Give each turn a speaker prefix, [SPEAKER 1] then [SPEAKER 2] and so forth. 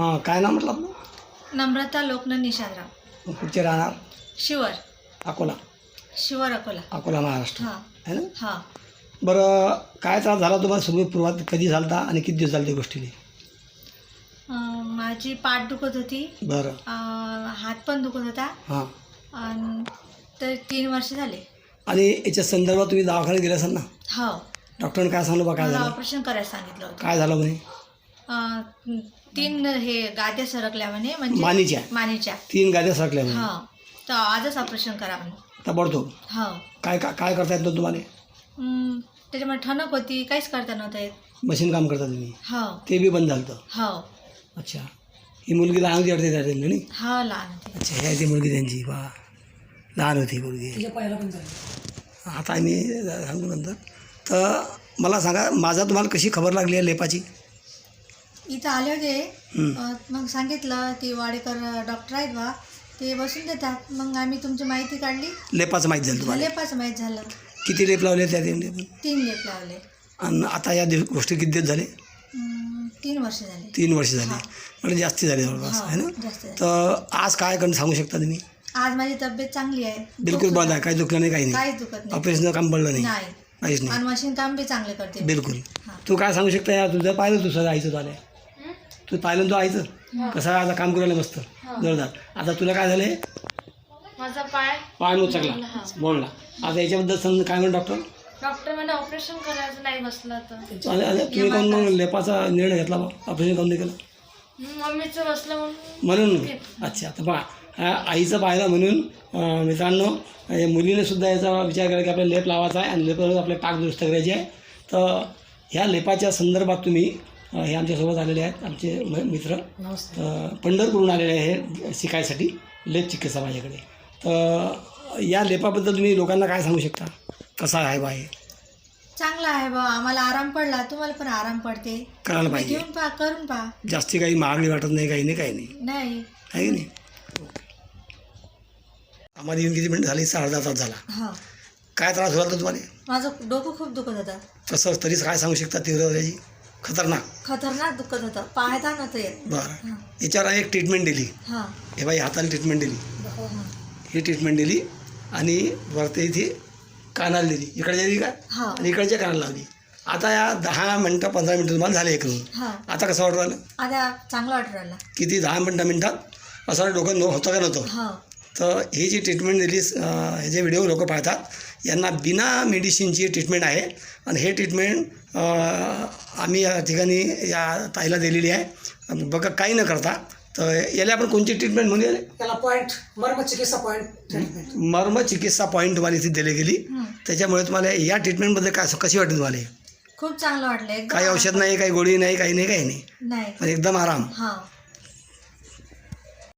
[SPEAKER 1] हां, काय नाव म्हटलं आपलं?
[SPEAKER 2] नम्रता लोकन निशादराव.
[SPEAKER 1] कुठचे राहणार?
[SPEAKER 2] शिवर
[SPEAKER 1] अकोला.
[SPEAKER 2] शिवर अकोला.
[SPEAKER 1] अकोला महाराष्ट्र
[SPEAKER 2] हां
[SPEAKER 1] है ना?
[SPEAKER 2] हां.
[SPEAKER 1] बरं, काय त्रास झाला तुम्हाला सुरुवात कधी झाला आणि किती दिवस झाले त्या गोष्टीने?
[SPEAKER 2] माझी पाठ दुखत होती.
[SPEAKER 1] बरं.
[SPEAKER 2] हात पण दुखत होता.
[SPEAKER 1] हां.
[SPEAKER 2] आणि तर 3 वर्ष झाले.
[SPEAKER 1] आणि याच्या संदर्भात तुम्ही दवाखान्यात गेले असाल ना?
[SPEAKER 2] हो.
[SPEAKER 1] डॉक्टरने काय सांगलं बा, काय
[SPEAKER 2] मला
[SPEAKER 1] झालं?
[SPEAKER 2] ऑपरेशन करायला सांगितलं होतं.
[SPEAKER 1] काय झालं म्हणे?
[SPEAKER 2] 3 हे गाद्या सरकल्या म्हणे, म्हणजे मानेच्या
[SPEAKER 1] 3 गाद्या सरकल्या म्हणे.
[SPEAKER 2] हो. तर आजच ऑपरेशन करा म्हणे.
[SPEAKER 1] ताबडतोब.
[SPEAKER 2] हो.
[SPEAKER 1] काय काय करता येत नव्हतं तुम्हाला?
[SPEAKER 2] त्याच्यामुळे ठणक होती, काहीच करता नव्हतं येत.
[SPEAKER 1] मशीन काम करता तुम्ही?
[SPEAKER 2] हो
[SPEAKER 1] ते बी बंद झालं?
[SPEAKER 2] हो.
[SPEAKER 1] अच्छा. ही मुलगी लहान होती वाटते त्या टाईमला नाही?
[SPEAKER 2] हो, लहान होती.
[SPEAKER 1] अच्छा, ह्या ती मुलगी त्यांची बा लहान होती मुलगी. आता आम्ही सांगू नंतर. तर मला सांगा, माझा तुम्हाला कशी खबर लागली आहे लेपाची?
[SPEAKER 2] इथं आले होते, मग सांगितलं ती वाडेकर डॉक्टर आहेत बा, ते बसून देतात. मग आम्ही तुमची माहिती काढली.
[SPEAKER 1] लेपाचं माहीत झालं तुम्हाला?
[SPEAKER 2] लेपाचं माहीत झालं.
[SPEAKER 1] किती लेप लावले त्या टाईमला?
[SPEAKER 2] 3 लेप लावले.
[SPEAKER 1] आणि आता या गोष्टी किती दिवस झाले?
[SPEAKER 2] 3 वर्ष झाले.
[SPEAKER 1] 3 वर्ष झाली. म्हणजे जास्ती झाली जवळपास, आहे ना?
[SPEAKER 2] जास्त झाले.
[SPEAKER 1] तर आज काय करून सांगू शकता तुम्ही?
[SPEAKER 2] आज माझी तब्येत चांगली आहे.
[SPEAKER 1] बिलकुल बंद आहे, काही दुखलं नाही, काही नाही?
[SPEAKER 2] काहीच दुखत नाही.
[SPEAKER 1] ऑपरेशनचं काम पडलं नाही?
[SPEAKER 2] नाही.
[SPEAKER 1] काहीच नाही.
[SPEAKER 2] आणि मशीन काम बी चांगले करते.
[SPEAKER 1] बिलकुल.
[SPEAKER 2] हां.
[SPEAKER 1] तू काय सांगू शकता? यार तुझं पाहिलं, तुझं आईचं झालं, तू पाहिलं तो आईचं कसं आहे आता काम करायला मस्त जोरदार. आता तुला काय झालं?
[SPEAKER 2] माझा पाय
[SPEAKER 1] मोचकला, बोलला. आता याच्याबद्दल समजा काय म्हणून
[SPEAKER 2] डॉक्टर मला ऑपरेशन करायचं नाही बसलं तर.
[SPEAKER 1] तुम्ही काऊन मग लेपाचा निर्णय घेतला बा? ऑपरेशन काऊन नाही केलं?
[SPEAKER 2] मम्मीचं बसलं
[SPEAKER 1] म्हणून. अच्छा. तर बघा, आईचं पाहिलं म्हणून मित्रांनो, मुलीने सुद्धा याचा विचार केला की आपल्याला लेप लावायचा आहे आणि लेपावर आपल्या टाक दुरुस्त करायची आहे. तर ह्या लेपाच्या संदर्भात तुम्ही हे आमच्यासोबत आलेले आहेत आमचे मित्र, पंढरपूरहून आलेले आहे शिकायसाठी लेप चिकित्सा माझ्याकडे. तर या लेपाबद्दल तुम्ही लोकांना काय सांगू शकता? कसा आहे बा हे?
[SPEAKER 2] चांगला आहे बा, आम्हाला आराम पडला, तुम्हाला पण आराम पडते.
[SPEAKER 1] करायला पाहिजे.
[SPEAKER 2] घेऊन पहा, करून पहा.
[SPEAKER 1] जास्ती काही महागडी वाटत नाही, काही नाही, काही नाही,
[SPEAKER 2] नाही
[SPEAKER 1] आहे की नाही? आम्हाला येऊन किती मिनिट झाली? अर्धा तास झाला.
[SPEAKER 2] हां.
[SPEAKER 1] काय त्रास होता तुम्हाला?
[SPEAKER 2] माझं डोकं खूप दुखत होतं.
[SPEAKER 1] तसं तरीच काय सांगू शकता? तीव्रतेची
[SPEAKER 2] खतरनाक दुखत होतं, पाहता नव्हतं येत.
[SPEAKER 1] बरं. याच्यावर एक ट्रीटमेंट दिली.
[SPEAKER 2] हां.
[SPEAKER 1] हे बाई हाताला ट्रीटमेंट दिली,
[SPEAKER 2] हां.
[SPEAKER 1] ही ट्रीटमेंट दिली आणि वरती इथे कानाला दिली, इकडच्या दिली काय
[SPEAKER 2] हां.
[SPEAKER 1] आणि इकडच्या कानाला लावली. आता या 10 मिनटं 15 मिनटं तुम्हाला झाले करून.
[SPEAKER 2] हां.
[SPEAKER 1] आता कसं वाटू राहिलं?
[SPEAKER 2] आता चांगलं वाटू राहिलं.
[SPEAKER 1] किती 10 मिनटात असं डोकं होतं का नव्हतं?
[SPEAKER 2] हां.
[SPEAKER 1] तर ही जी ट्रीटमेंट दिली, हे जे व्हिडिओ लोक पाहतात यांना बिना मेडिसिनची ट्रीटमेंट आहे. आणि हे ट्रीटमेंट आम्ही या ठिकाणी या ताईला दिलेली आहे. बघा, काही न करता. तर याला आपण कोणती ट्रीटमेंट म्हणूया?
[SPEAKER 3] त्याला पॉईंट मर्मचिकित्सा पॉईंट ट्रीटमेंट.
[SPEAKER 1] मर्मचिकित्सा पॉईंट तुम्हाला इथे दिली गेली. त्याच्यामुळे तुम्हाला या ट्रीटमेंटमध्ये काय कशी वाटते तुम्हाला?
[SPEAKER 2] खूप चांगलं वाटलं.
[SPEAKER 1] काही औषध नाही, काही गोळी नाही, काही नाही, काही नाही,
[SPEAKER 2] नाही.
[SPEAKER 1] म्हणजे एकदम आराम.
[SPEAKER 2] हां.